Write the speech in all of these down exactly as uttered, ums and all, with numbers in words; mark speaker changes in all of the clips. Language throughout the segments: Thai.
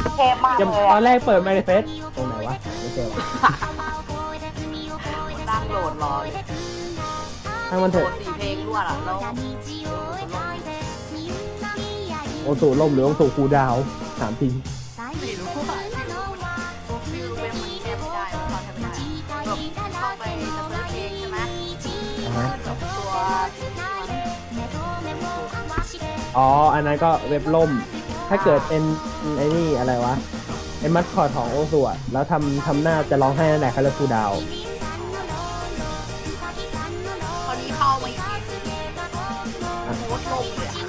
Speaker 1: เทพมาก
Speaker 2: จะ
Speaker 1: เลย
Speaker 2: ตอ
Speaker 1: อะ
Speaker 2: นแรกเปิดไมค์เฟสตรงไหนวะไม่เจอวะ
Speaker 3: นั่งโหลดรอเลย
Speaker 2: ทั้งมัน
Speaker 3: โหล
Speaker 2: เถอะ
Speaker 3: ดสี่เพลงรวดอ่ะแล้ว
Speaker 2: โอสุล่มหรือโอสุคูลดาวน์ถามจริง
Speaker 3: ไม่รู้ว่าฟิวเว็บมันแก้ไม่ได้มันเข้าใช้ไม่ได้แบบเข้าไปจะเซิร์ชเพลงใช่ไหม
Speaker 2: อ่าฮะ
Speaker 3: แบบตัว
Speaker 2: อ๋ออันนั้นก็เว็บล่ม ถ้าเกิดเป็นไอ้นี่อะไรวะไอ้มัสคอตของโอสุอะแล้วทำทำหน้าจะร้องไห้นั่นแหละคาราคูลดาวน์
Speaker 3: ตอนนี้เข้ามาอีกทีโพสต์ลงเลยอะ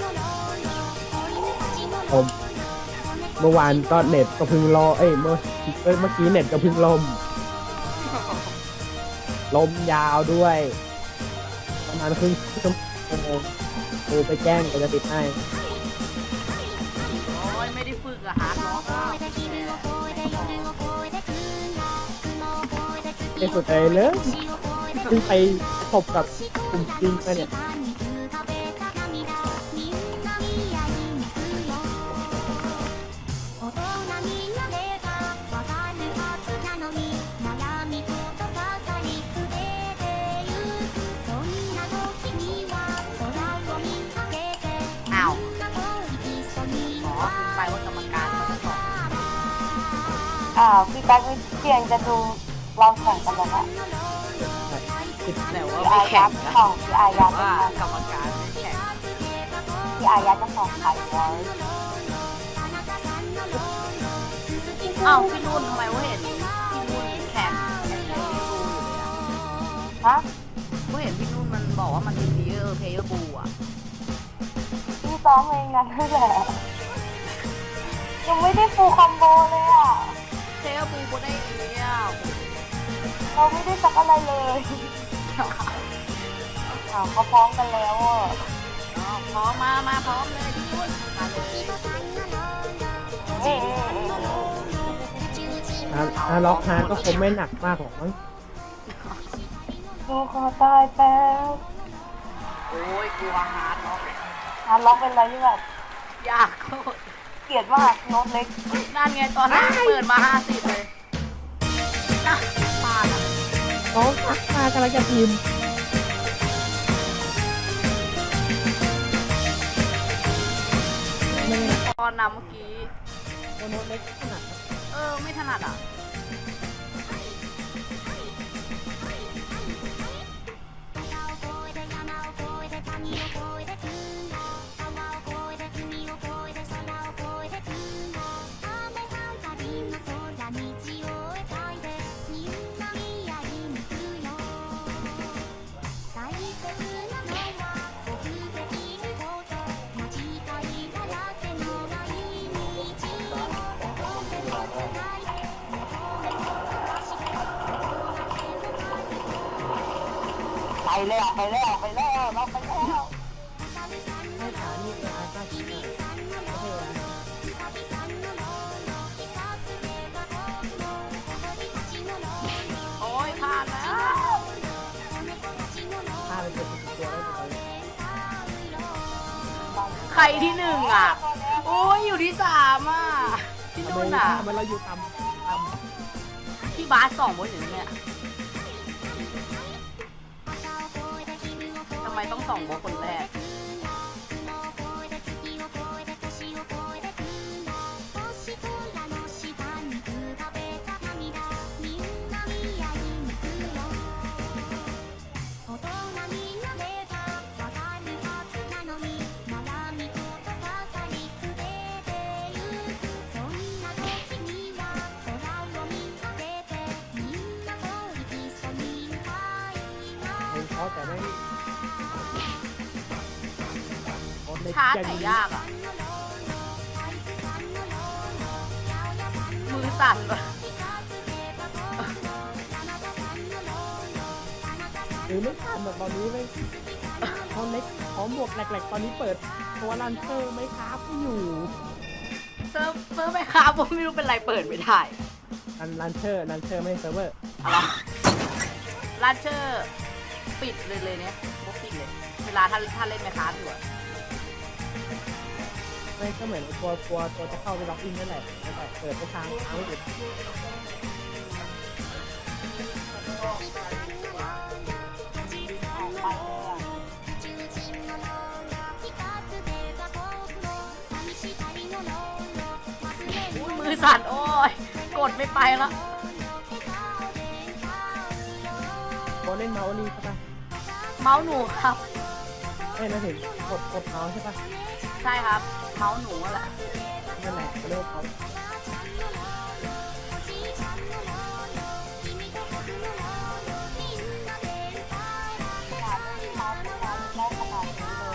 Speaker 2: ผมเมื่อวานก็เน็ตก็เพึ่งรอเอ้ยเมื่อเอ้ยเมื่อกี้เน็ตก็เพึ่งล่มลมยาวด้วยประมาณครึ่งชั่วโมงโทรไปแจ้งก็จะติดให้
Speaker 3: โอ้ยไม่ได้ฝึกอะฮาร์ดล็อกอะ
Speaker 2: ในสุดเลยเลยเพิ่งไปพบกับกลุ่มจริงมาเนี่ย
Speaker 3: อ้าวอ๋อคุณไปว่ากรรมการเขาจะสอน
Speaker 1: อ่าพี่แป๊กวิเชียนจะดูลองแข่งกันเลยนะ
Speaker 3: แต่ว่า
Speaker 1: พี่
Speaker 3: ไม่
Speaker 1: อา
Speaker 3: แข่
Speaker 1: ยั
Speaker 3: ง
Speaker 1: ด
Speaker 3: นะ
Speaker 1: ของพี่อายัด
Speaker 3: ว่า
Speaker 1: นะ
Speaker 3: กรรมการไม่แข่ง
Speaker 1: พี่อายัดจะสองไข่ไว้
Speaker 3: อ้าวพี่นุ่นทำไมว่าเห็นพี่นุ่นแข่งแข่งในบูอยู่เลยอะ
Speaker 1: ฮะ
Speaker 3: ว่าเห็นพี่นุ่นมันบอกว่ามันมีเพลเยอร์เพลเยอร์บูอะ
Speaker 1: พี่ซ้อมเองนั่นแหละยังไม่ได้ฟูลคอมโบเลยอ่ะ
Speaker 3: เพลเยอร์บูก็ได้เนี้ย
Speaker 1: เราไม่ได้สักอะไรเลยอ้าวเขาพร้อมกันแล้วอ่ะ
Speaker 3: พร้อมมามาพร้อมเลยพี่นุ่นมาเลย
Speaker 1: เอ๊ะ
Speaker 2: ถ้าถ้าล็อกฮาร์ดก็คงไม่หนักมากหรอกมั้ง
Speaker 1: โอ้ขอตายแป๊บ
Speaker 3: โอ้ยกลัวฮาร์ดเนาะ
Speaker 1: ฮาร์ดล็อกเป็นอะไรที่แบบ
Speaker 3: ยากโคตร
Speaker 1: เกลียดมากโน้ตเล็ก
Speaker 3: นั่นไงตอนแรกเปิดมาห้าสิบเลยนะพลาดอะ
Speaker 2: น้องทักมากำลังจะพิมพ์
Speaker 3: ตอนนำเมื่อกี้
Speaker 2: โน้ตเล็กขนาดนั้น
Speaker 3: เออ ไม่ถนัดอ่ะ
Speaker 1: ไปแล้วไปแล้วไปแล้วเราไปแล้ว
Speaker 2: ให้ฐานนี่เป็นอาคาชิน่ะโอเคนะ
Speaker 3: โอ้ยพลาดแล้ว
Speaker 2: ถ้าเป็นเป็นตัวได้ไหม
Speaker 3: ใครที่หนึ่งอ่ะ โอ้ยอยู่ที่สามอ่ะ พี่
Speaker 2: ทำ
Speaker 3: นุ่น
Speaker 2: ไม
Speaker 3: อ่ะ
Speaker 2: ทำไมเราอยู่ต่ำต่ำ
Speaker 3: พี่บาสสองบนอยู่เนี่ยทำไมต้องสองบนคนแรก
Speaker 2: เพราะแต่ไม่โน้ตเล็ก
Speaker 3: ช้า
Speaker 2: ยัง
Speaker 3: แต่ยากอ่ะ มือสั่นเลย
Speaker 2: หรือไม่ทันแบบตอนนี้ไม่โน้ตเล็กพร้อมบวกแหลกๆตอนนี้เปิดตัวลันเตอร์ไม่ครับไม่อยู่
Speaker 3: เซิร์ฟเซิร์ฟไปครับผมไม่รู้เป็นไรเปิดไม่ได้
Speaker 2: ลันลันเชอร์ลันเชอร์ไม่ใช่เซิร์ฟเวอร์
Speaker 3: อะไรลันเชอร์ปิดเลยเลยเนี่ยพวกปิดเลย เวลาถ้าถ้าเล่นไหมครับอยู่อะ
Speaker 2: ไม่ก็เหมือนตัวตัวตัวจะเข้าไปล็อกอินนั่นแหละแล้วแต่เปิดไปทางทางไม่ติด
Speaker 1: ออกไปเลยอ่ะ
Speaker 3: อุ้ยมือสั่นโอ้ยกดไม่ไปแล้ว
Speaker 2: โบเล่นเมาส์นี่ใช่ปะ
Speaker 3: เมาส์หนูครับ
Speaker 2: เอ้ยนะถึงกดกดเมาส์ใช่ปะ
Speaker 3: ใช่ครับ เมาส์หนูอะแหละ
Speaker 2: นั่นแหละเขาเรียกว่าเมาส์
Speaker 1: ขนาดไม่เมาส์ขนาดได้ขนาดนี้เลย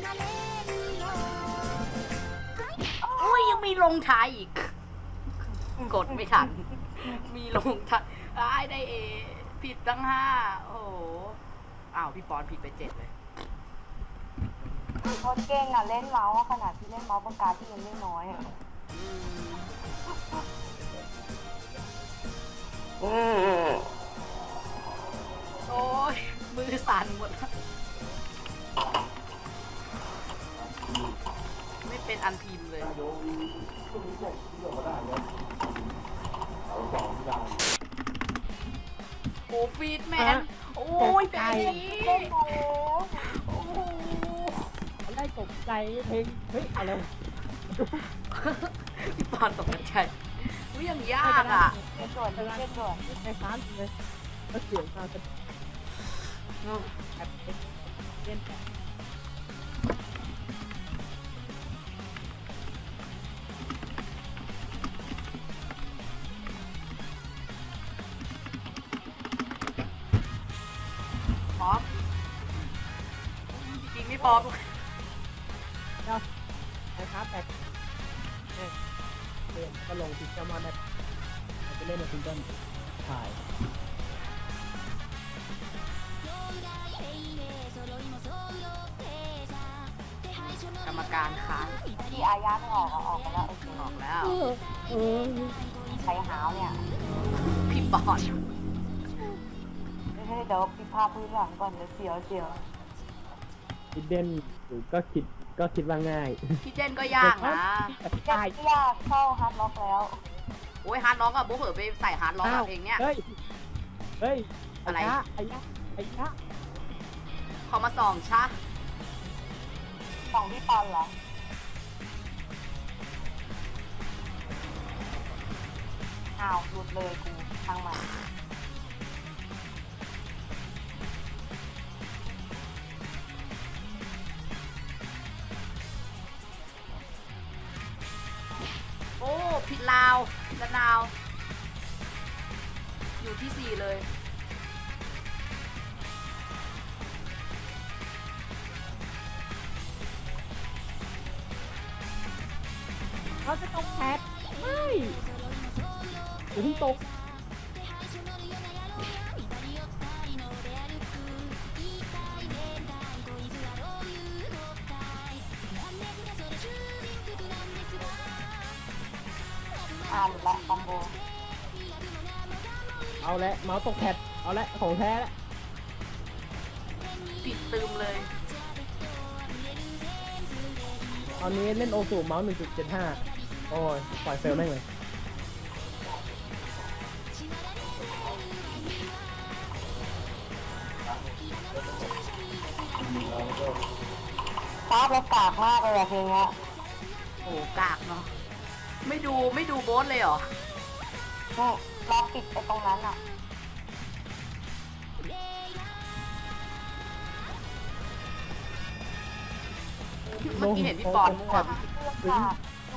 Speaker 3: อุ้ยยังมีลงท้ายอีก กดไม่ทัน มีลงท้ายได้ได้เอ ผิดตั้งห้าโอ้โห อ้าว พี่ปอนผิดไปเจ็ดเลย
Speaker 1: โคตรเก่งอ่ะเล่นเมาส์ขนาดที่เล่นเมาส์ปากกาที่ยังไม่น้อยอ่ะ
Speaker 3: อืมโอ้ยมือสั่นหมดแล้วไม่เป็นอันพิมพ์เลยโอ้ฟีดแมนโอ้ยเบบี้
Speaker 1: เล่นมาแล้ว
Speaker 3: โอ้โห
Speaker 2: ได้ตกใจเพลงเฮ้ยอะไร
Speaker 3: พี่ปอนตกใจอุ้ยยังยากอ่ะ
Speaker 1: เล่นด่วนดิเล่นด่วน
Speaker 2: ในค้านเลยแล้วเสียงมาจะแบบเล่นแบบ
Speaker 3: พร้อมจริงไม่พร้อม
Speaker 2: เจ้าไอ้ครับแบบเนี่ยเรียนก็ลงพิกเกอร์มอนได้เราจะเล่นในซิงเกิลถ่าย
Speaker 3: กรรมการค้าน
Speaker 1: ที่อาญาไม่ออกอ่ะออกไปแล้วโอเค
Speaker 3: ออกแล้ว
Speaker 2: เออ
Speaker 1: ใช้หาวเนี่ย
Speaker 3: พี่ปอน
Speaker 1: ไม่ใช่เดี๋ยวพี่พาพื้นหลังก่อนเดี๋ยวเสียวเสียว
Speaker 2: คิดเด่นก็คิดก็คิดว่าง่าย
Speaker 3: พี่เจนก็ยากนะ
Speaker 1: เจ็บที่ยากเข้าฮาร์ดล็อกแล้ว
Speaker 3: โอ้ยฮาร์ดล็อกอะโบเผลอไปใส่ฮาร์ดล็อกอะเพลงเนี้ย
Speaker 2: เฮ้ย เฮ้ย
Speaker 3: อะไร
Speaker 2: ยะไอ้ยะไอ้ยะ
Speaker 3: เขามาส่องชะ
Speaker 1: สองพี่ปอนเหรออ้าวหลุดเลยกูทางใหม่
Speaker 3: โอ้ผิดลาวละนาว อยู่ที่สี่เลย
Speaker 2: เขาจะตกแพทไม่อย่าเพิ่งตก
Speaker 1: อ่าหลุดละคอมโบ
Speaker 2: เอาละเมาส์ตกแพทเอาละของแท้ละ
Speaker 3: ผิดตืมเลย
Speaker 2: ตอนนี้เล่นโอสูเมาส์ หนึ่งจุดเจ็ดห้า โอ้ย ปล่อยเฟลแม่งเลย
Speaker 1: ภาพแล้วกากมากเลยอะเพลงเนี้ย
Speaker 3: โอ้กากเนาะ ไม่ดูไม่ดูโบสเลยเหรอ
Speaker 1: นี่รอปิดไปตรงนั้นอ่ะ
Speaker 3: เมื่อกี้เห็นพี่ปอนมั่ว
Speaker 1: เรื่องค่ะดู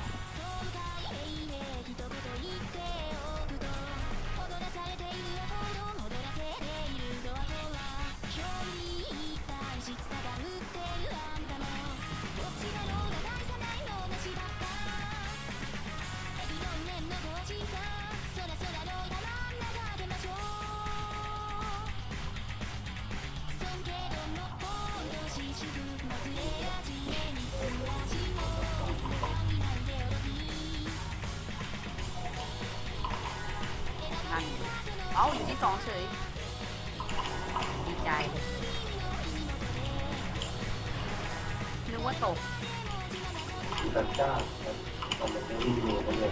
Speaker 3: นั่นเอ้าอยู่ที่สองเฉย ดีใจ นึกว่าตก
Speaker 4: จัดจ้านทำเป็นรีวิวกันเลย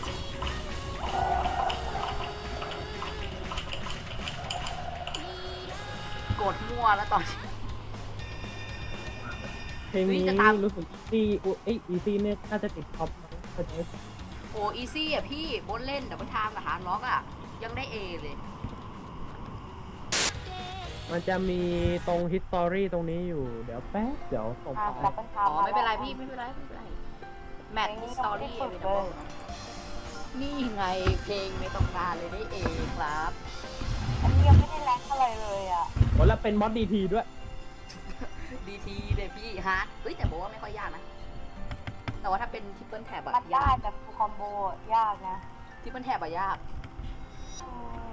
Speaker 3: กดมั่วแล้วตอนนี้
Speaker 2: เพลง
Speaker 3: เฮ้ย
Speaker 2: นี้
Speaker 3: จะตาม
Speaker 2: รู้สึกอีซี่เอ้ยอีซี่เนี่ยน่าจะติดท็อปก็จะ
Speaker 3: โอ้อีซี่อ่ะพี่บนเล่นแต่ว่าทางกับหาล็อกอ่ะ ยังได้เอเลย
Speaker 2: มันจะมีตรง history ตรงนี้อยู่ เดี๋ยวแป๊บ เดี๋ยวส่ง
Speaker 1: อ่ะ
Speaker 2: ไป
Speaker 1: ดับเบิลทา
Speaker 3: อ๋
Speaker 1: ม
Speaker 3: อ ไม่เป็นไรพี่ ไม่เป็นไร ไม่เป็นไร แมทสตอรี่นี่ไงเพลงไม่ต้องการเลยได้เอครับ
Speaker 1: อันนี้ยังไม่ได้แรงอะไรเลยอ่ะ
Speaker 2: โอ้แล้วเป็นมอดดีทีด้วย
Speaker 3: ดีทีเลยพี่ฮาร์ดเฮ้ยแต่บอกว่าไม่ค่อยยากนะ แต่ว่าถ้าเป็นทิปเปิลแท็บอะ
Speaker 1: มันได้
Speaker 3: ยาก
Speaker 1: แต่ฟูลคอมโบยากนะ
Speaker 3: ทิปเปิลแท็บอะยาก
Speaker 1: อืม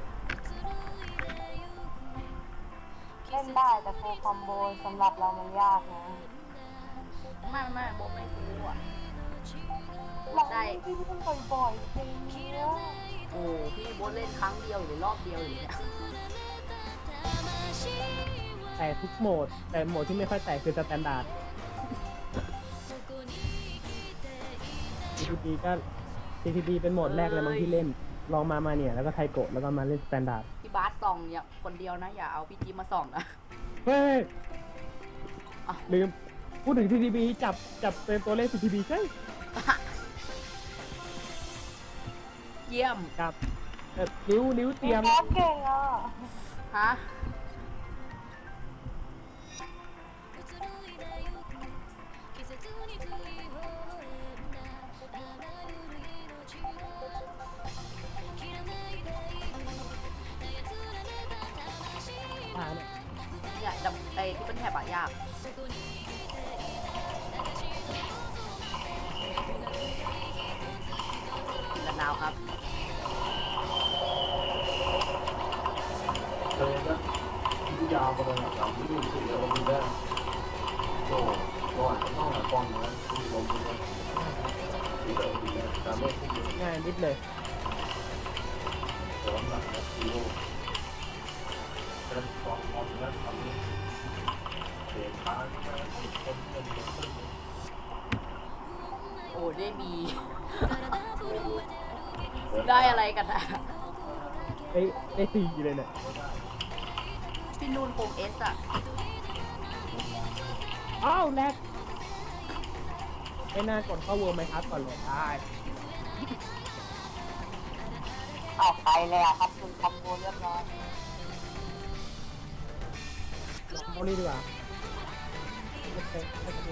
Speaker 1: เล่นได้แต่ฟูลคอมโบสำหรับเรามันยากนะ
Speaker 3: ไม่ไม่โบไม่รู้อะ
Speaker 1: เรา
Speaker 3: ได้
Speaker 1: ไม่ได้เล่นบ่อยๆจริงเนี่ย
Speaker 3: โอ้พี่โบเล่นครั้งเดียวหรือรอบเดียวอยู่เนี่ย
Speaker 2: แต่ทุกโหมด แต่โหมดที่ไม่ค่อยแตกคือสแตนดาร์ด ที ที บี ก็ ที ที บี เป็นโหมดแรกเลยบางที่เล่น ลองมามาเนี่ย แล้วก็ไทโกะแล้วก็มาเล่นสแตนดาร์ด
Speaker 3: พี่บาสส่องอย่าคนเดียวนะ อย่าเอาพี่จีมาส่องนะ
Speaker 2: เฮ้ย
Speaker 3: อ้าว
Speaker 2: ลืม พูดถึง ที ที บี จับ จับเป็นตัวเลข ที ที บี ใช่
Speaker 3: เยี่ยม
Speaker 2: ครับเอ่อนิ้ว นิ้วเตรียม
Speaker 1: บอสเก่งอ่ะ
Speaker 3: ฮะ
Speaker 2: อ่าเนี่ย
Speaker 3: เนี่ยดับไอ้ที่เป็นแถบอะยากละนาวครับ
Speaker 4: เลยนะที่ยาวไปเลยหลังที่ดูสุดแล้วมันได้โอ้ก่อนต้องหาป้องนะที่ลมที่นี่ที่เดิมที่นี่ตามไม่ที่อยู่
Speaker 2: ง่ายนิดเลย
Speaker 4: สองหลังที่โลเป็นสองคนแล้วทำเสียงค้างมาคนคนคน
Speaker 3: โอ้ได้มี ได้อะไรกันอะ
Speaker 2: ได้ได้สี่เลยเนี่ย
Speaker 3: พี่นูนโปงเอสอะ
Speaker 2: อ้าวแลกไม่น่ากดเข้าเวิร์มไหมครับก่อนเลยได้
Speaker 1: ออกไปเลยอ่ะครับฟูลคอมโบเรียบร้อย
Speaker 2: เอานี่ดีกว่าโอเคโอเค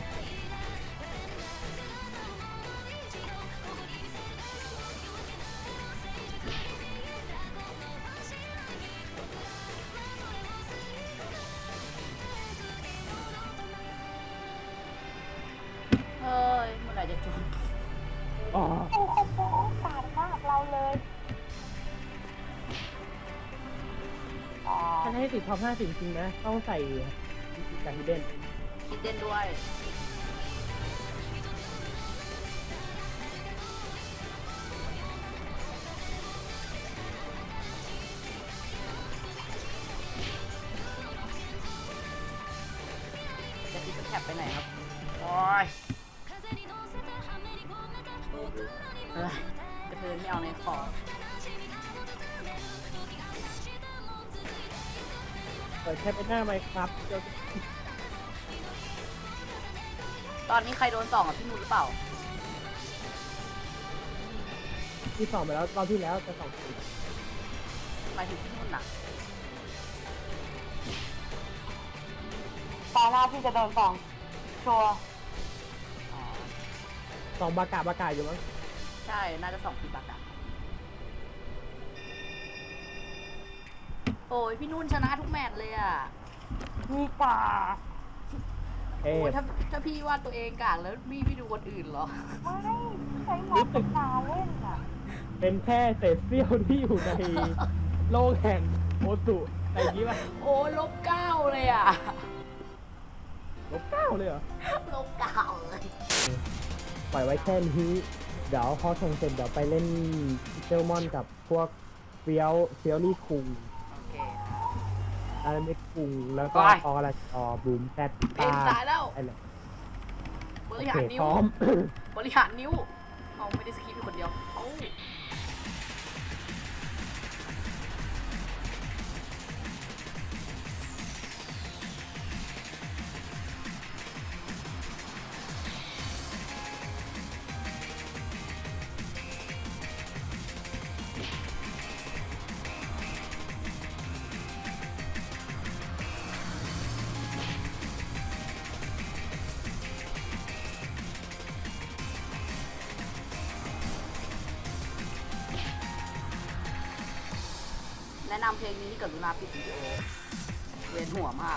Speaker 3: เฮ้ยเมื่อไหร่จะจบ
Speaker 2: อ๋อ
Speaker 1: ฟูลคอมโบโอกาสมากเราเลยอ๋อ
Speaker 2: ถ้าให้ติดท็อปห้าสิบจริงนะ ต้องใส่กับฮิดเด้น
Speaker 3: คิดเต้นด้วย จะติดแท็บไปไหนครับ โอ้ยเอ้ยกระเทือนไม่เอาในคอ
Speaker 2: เปิดแค่เป็นหน้าไหมครับเดี๋ยว
Speaker 3: ตอนนี้ใครโดนส่องอ่ะพี่นูนหรือเปล่า
Speaker 2: ที่สองไปแล้วรอบที่แล้วจะสองสี
Speaker 3: หมายถึงพี่นุ่นน่ะ
Speaker 1: ตอนหน้าพี่จะโดนสองชัวร์
Speaker 3: อ๋อ
Speaker 2: สองบากาบากาอยู่มั้ง
Speaker 3: ใช่ น่าจะสองปีบักอะโอ้ยพี่นุ่นชนะทุกแมตช์เลยอ่ะ
Speaker 1: มีกา
Speaker 2: เอ๊
Speaker 3: โอ้ย
Speaker 2: ะ
Speaker 3: ถ้าถ้าพี่ว่าตัวเองกากแล้วพี่พี่ดูคนอื่นเหรอ
Speaker 1: ไม่ใช้มาปากกาเล่นอ่ะ
Speaker 2: เป็นแค่เศษเสี้ยวที่อยู่ในโลกแห่งโอสุอะไรอย่างนี้ป่ะ
Speaker 3: โอ้ยลบเก้าเลยอ่ะ
Speaker 2: ลบเก้าเลยเหรอ
Speaker 3: ลบเก้าเลย
Speaker 2: ปล่อยไว้แค่นี้ เดี๋ยวพอส่งเสร็จเดี๋ยวไปเล่นเซลมอนกับพวกเฟียวเฟียวลี่คุง
Speaker 3: โอเค
Speaker 2: อาราเมคุงแล้วก็
Speaker 3: ไป
Speaker 2: อออะไรออบูมแซด
Speaker 3: เพลงตายแล้ว
Speaker 2: อะไร
Speaker 3: โบริ
Speaker 2: โอ
Speaker 3: หา
Speaker 2: เค
Speaker 3: รนิ้
Speaker 2: พ
Speaker 3: ว
Speaker 2: ร้อม
Speaker 3: บริหารนิ้ว เอาไม่ได้สคริปต์อยู่คนเดียวเอาแนะนำเพลงนี้ที่กรุณาปิดวิดีโอเวียนหัวมาก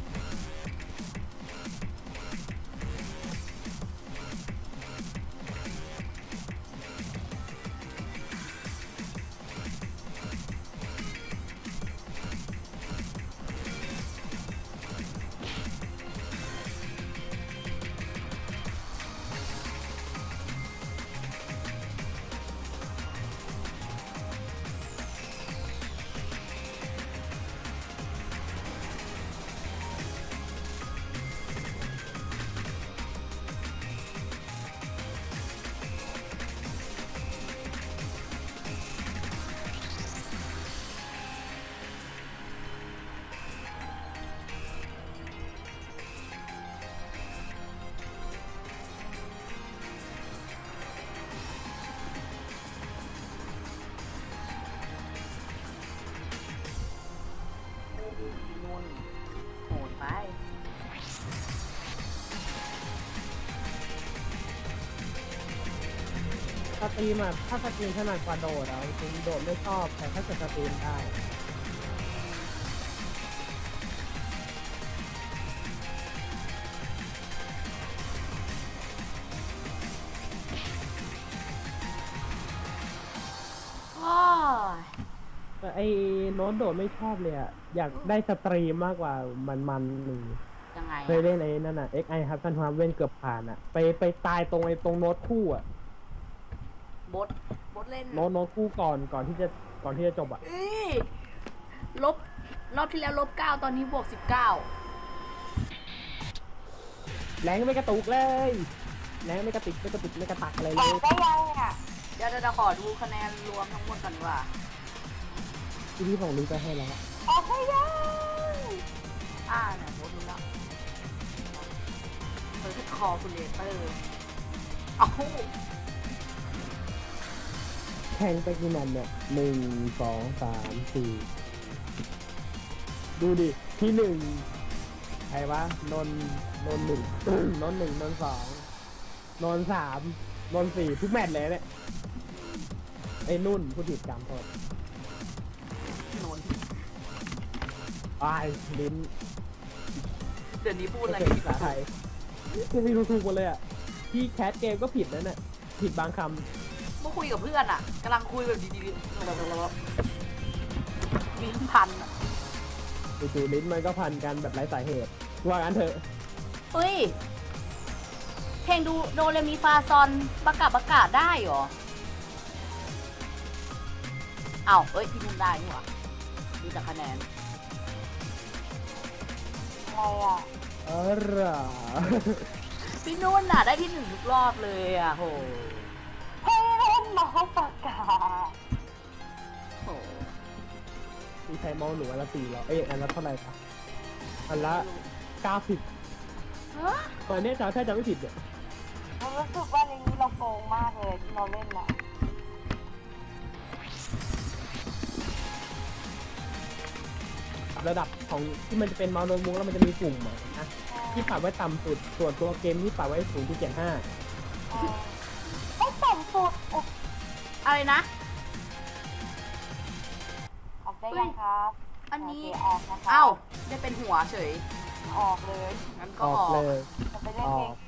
Speaker 3: นุ่นโหดไป
Speaker 2: สตรีมอ่ะถ้าสตรีมถนัดกว่าโดดอ่ะจริงๆโดดไม่ชอบแต่ถ้าเกิดสตรีมได้
Speaker 3: โอ้ย
Speaker 2: แต่ไอ้โน้ตโดดไม่ชอบเลยอ่ะอยากได้สตรีมมากกว่ามันมันหนึ่ง
Speaker 3: ยังไง
Speaker 2: เคยเล่นไอ้นั่นอ่ะ เอ็กซ์ ไอ ครับท่านความเล่นเกือบผ่านอ่ะไปไปตายตรงไอ้ตรงโน้ตคู่อ่ะ
Speaker 3: บดบดเล่น
Speaker 2: โน้ตโน้ตคู่ก่อนก่อนที่จะก่อนที่จะจบอ่ะ
Speaker 3: เอ้ยลบ รอบที่แล้วลบเก้าตอนนี้บวกสิบเก้า
Speaker 2: แรงไม่กระตุกเลยแรงไม่กระติกไม่กระติกไม่กระตักอะไร
Speaker 1: อ
Speaker 2: เล
Speaker 1: อย กได้ยังเนี่ย
Speaker 3: เดี๋ยวเดี๋ยวขอดูคะแนนรวมทั้งหมดก่อนดีกว่า
Speaker 2: ที่พี่ของลิงไปให้แล้ว
Speaker 1: ออกได้ยัง
Speaker 3: อ่าเนี่ยบดรู้แล้วเออที่คอคูลเลเตอร์เอ้า
Speaker 2: แข่งไปกี่แมตช์เนี่ยหนึ่งสองสามสี่ดูดิที่หนึ่งใครวะนนท์นนท์หนึ่ง นนท์หนึ่งนนท์สองนนท์สามนนท์สี่ทุกแมตช์เลยเนี่ยไอ้นุ่นผู้ผิดจำโทษ
Speaker 3: โนน
Speaker 2: อายลิ้น
Speaker 3: เดี๋ยวนี้พูดอะไร
Speaker 2: ไม่เป็นภาษาไทยไม่รู้ถูกหมดเลยอ่ะที่แคสเกมก็ผิดนั่นน่ะผิดบางค
Speaker 3: เมื่อคุยกับเพื่อนอ่ะกำลังคุยแบบดีๆแบบลิ้นพันอ่ะ
Speaker 2: ำจู่ๆลิ้นมันก็พันกันแบบไร้สาเหตุว่างั้นเถอะ
Speaker 3: เฮ้ย เพลงดูโดเรมีฟาซอนประกาศประกาศได้เหรอเอ้าเอ้ยพี่นุ่นได้นี่หว่าดูจากคะแนน
Speaker 1: อะไรอ่ะ
Speaker 2: เออเหรอ
Speaker 3: พี่นุ่นน่ะได้ที่หนึ่งทุกรอบเลยอ่ะโห
Speaker 1: ให้เล่นน้องประกาศ
Speaker 3: โห
Speaker 2: มีใครมองหนูอันละสี่เหรอเอ้ยอันละเท่าไหร่ปะอันละเก้าสิบ
Speaker 3: ฮะ
Speaker 2: ตอนนี้จำถ้าจำไม่ผิดเนี่ย
Speaker 1: เรารู้สึกว่าในนี้เราโกงมากเลยที่เราเล่นน่ะ
Speaker 2: ระดับของที่มันจะเป็นเมาส์โน้ตบุ๊กแล้วมันจะมีปุ่มอะนะที่ปรับไว้ต่ำสุดส่วนตัวเกมที่ปรับไว้สูงที่เจ็ดห้า
Speaker 1: เออไม่ต่ำสุดอุ๊ย
Speaker 3: อะไรนะ
Speaker 1: ออกได้ยังครับ
Speaker 3: อันนี้
Speaker 1: โเคออกนะคะ
Speaker 3: เอ้าได้เป็นหัวเฉย
Speaker 1: ออกเลย
Speaker 3: งั้น
Speaker 2: อ
Speaker 3: ก็
Speaker 2: อ
Speaker 3: อก อก
Speaker 2: เลย
Speaker 1: จะไปเล่นเพลง